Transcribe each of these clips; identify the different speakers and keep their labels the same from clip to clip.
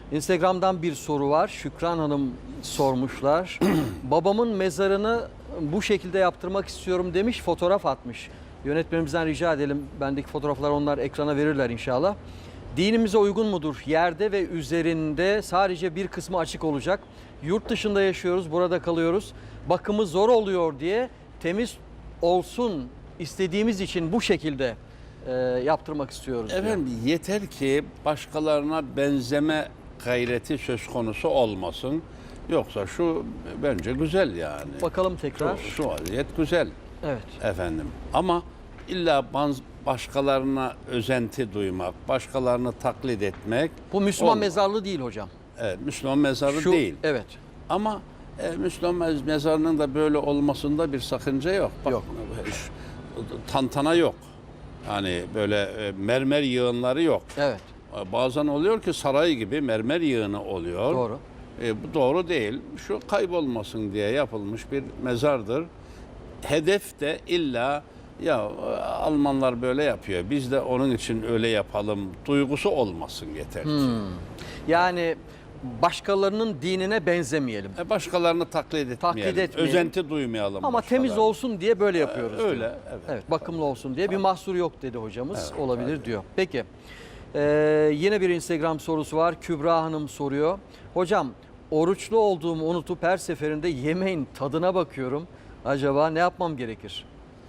Speaker 1: Instagram'dan bir soru var. Şükran Hanım sormuşlar. Babamın mezarını bu şekilde yaptırmak istiyorum demiş, fotoğraf atmış. Yönetmenimizden rica edelim. Bendeki fotoğrafları onlar ekrana verirler inşallah. Dinimize uygun mudur? Yerde ve üzerinde sadece bir kısmı açık olacak. Yurt dışında yaşıyoruz, burada kalıyoruz. Bakımı zor oluyor diye temiz olsun istediğimiz için bu şekilde yaptırmak istiyoruz diyor.
Speaker 2: Efendim yeter ki başkalarına benzeme gayreti söz konusu olmasın. Yoksa şu bence güzel yani.
Speaker 1: Bakalım tekrar.
Speaker 2: Şu vaziyet güzel.
Speaker 1: Evet.
Speaker 2: Efendim ama illa başkalarına özenti duymak, başkalarını taklit etmek.
Speaker 1: Bu Müslüman
Speaker 2: olmaz.
Speaker 1: mezarlığı değil hocam.
Speaker 2: Evet, Müslüman mezarı
Speaker 1: Şu,
Speaker 2: değil.
Speaker 1: Evet.
Speaker 2: Ama Müslüman mezarının da böyle olmasında bir sakınca yok. Bak,
Speaker 1: Yok.
Speaker 2: Tantana yok. Yani böyle mermer yığınları yok.
Speaker 1: Evet.
Speaker 2: Bazen oluyor ki saray gibi mermer yığını oluyor.
Speaker 1: Doğru.
Speaker 2: Bu doğru değil. Şu kaybolmasın diye yapılmış bir mezardır. Hedef de illa ya Almanlar böyle yapıyor, biz de onun için öyle yapalım duygusu olmasın yeter ki.
Speaker 1: Yani başkalarının dinine benzemeyelim.
Speaker 2: Başkalarını taklit etmeyelim.
Speaker 1: etmeyelim.
Speaker 2: Özenti duymayalım.
Speaker 1: Ama temiz
Speaker 2: başkalarına.
Speaker 1: olsun diye böyle yapıyoruz.
Speaker 2: Öyle,
Speaker 1: diyor.
Speaker 2: evet.
Speaker 1: Bakımlı olsun diye bir mahsur yok dedi hocamız.
Speaker 2: Evet,
Speaker 1: Olabilir
Speaker 2: evet.
Speaker 1: diyor. Peki. Yine bir Instagram sorusu var. Kübra Hanım soruyor. Hocam oruçlu olduğumu unutup her seferinde yemeğin tadına bakıyorum. Acaba ne yapmam gerekir?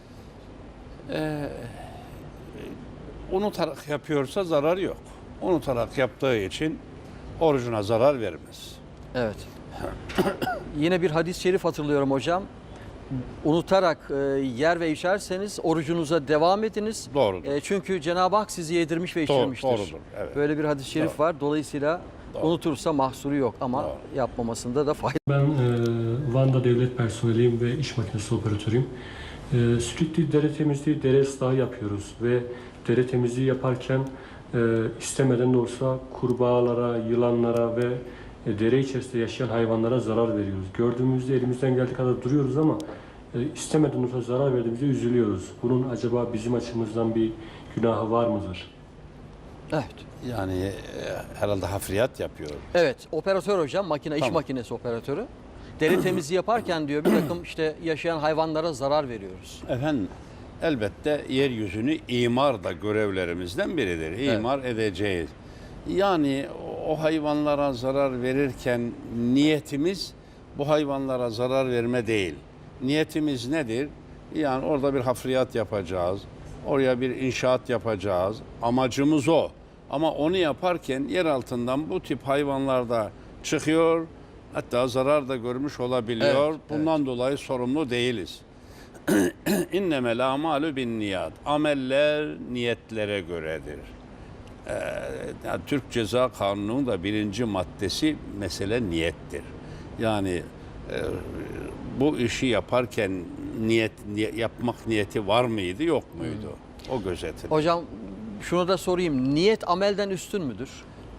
Speaker 2: Unutarak yapıyorsa zarar yok. Unutarak yaptığı için orucuna zarar vermez.
Speaker 1: Evet. Yine bir hadis-i şerif hatırlıyorum hocam. Unutarak yer ve içerseniz orucunuza devam ediniz.
Speaker 2: Doğrudur.
Speaker 1: Çünkü Cenab-ı Hak sizi yedirmiş ve içirmiştir.
Speaker 2: Doğrudur, evet.
Speaker 1: Böyle bir hadis-i şerif
Speaker 2: Doğru.
Speaker 1: var. Dolayısıyla unutursa mahsuru yok ama
Speaker 2: Doğru.
Speaker 1: yapmamasında da fayda.
Speaker 3: Ben Van'da devlet personeliyim ve iş makinesi operatörüyüm. Sürekli dere temizliği, dere ıslahı yapıyoruz ve dere temizliği yaparken istemeden de olsa kurbağalara, yılanlara ve dere içerisinde yaşayan hayvanlara zarar veriyoruz. Gördüğümüzde elimizden geldiği kadar duruyoruz ama istemeden olsa zarar verdiğimizde üzülüyoruz. Bunun acaba bizim açımızdan bir günahı var mıdır?
Speaker 1: Evet.
Speaker 2: Yani herhalde hafriyat yapıyor.
Speaker 1: Evet, operatör hocam, iş
Speaker 2: Tamam.
Speaker 1: makinesi operatörü. Dere temizliği yaparken diyor bir takım işte yaşayan hayvanlara zarar veriyoruz.
Speaker 2: Efendim elbette yeryüzünü imar da görevlerimizden biridir. İmar edeceğiz. Yani o hayvanlara zarar verirken niyetimiz bu hayvanlara zarar verme değil. Niyetimiz nedir? Yani orada bir hafriyat yapacağız. Oraya bir inşaat yapacağız. Amacımız o. Ama onu yaparken yer altından bu tip hayvanlar da çıkıyor. Hatta zarar da görmüş olabiliyor.
Speaker 1: Evet,
Speaker 2: Bundan dolayı sorumlu değiliz. İnnemel a'malu bin niyat. Ameller niyetlere göredir. Yani Türk Ceza Kanunu'nun da 1. maddesi mesele niyettir. Yani bu işi yaparken yapmak niyeti var mıydı, yok muydu? O gözetilir.
Speaker 1: Hocam şunu da sorayım. Niyet amelden üstün müdür?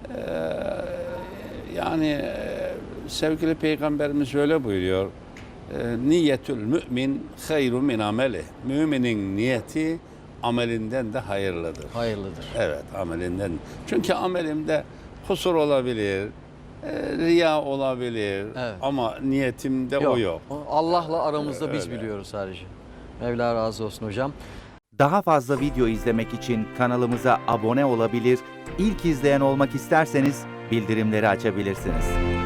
Speaker 2: Yani sevgili Peygamberimiz öyle buyuruyor. Niyetül mümin hayru min ameli. Müminin niyeti amelinden de hayırlıdır.
Speaker 1: Hayırlıdır.
Speaker 2: Evet, amelinden. Çünkü amelimde kusur olabilir, riya olabilir
Speaker 1: Evet.
Speaker 2: ama niyetimde o yok.
Speaker 1: Allah'la aramızda biz
Speaker 2: Öyle.
Speaker 1: biliyoruz sadece. Mevla razı olsun hocam.
Speaker 4: Daha fazla video izlemek için kanalımıza abone olabilir, ilk izleyen olmak isterseniz bildirimleri açabilirsiniz.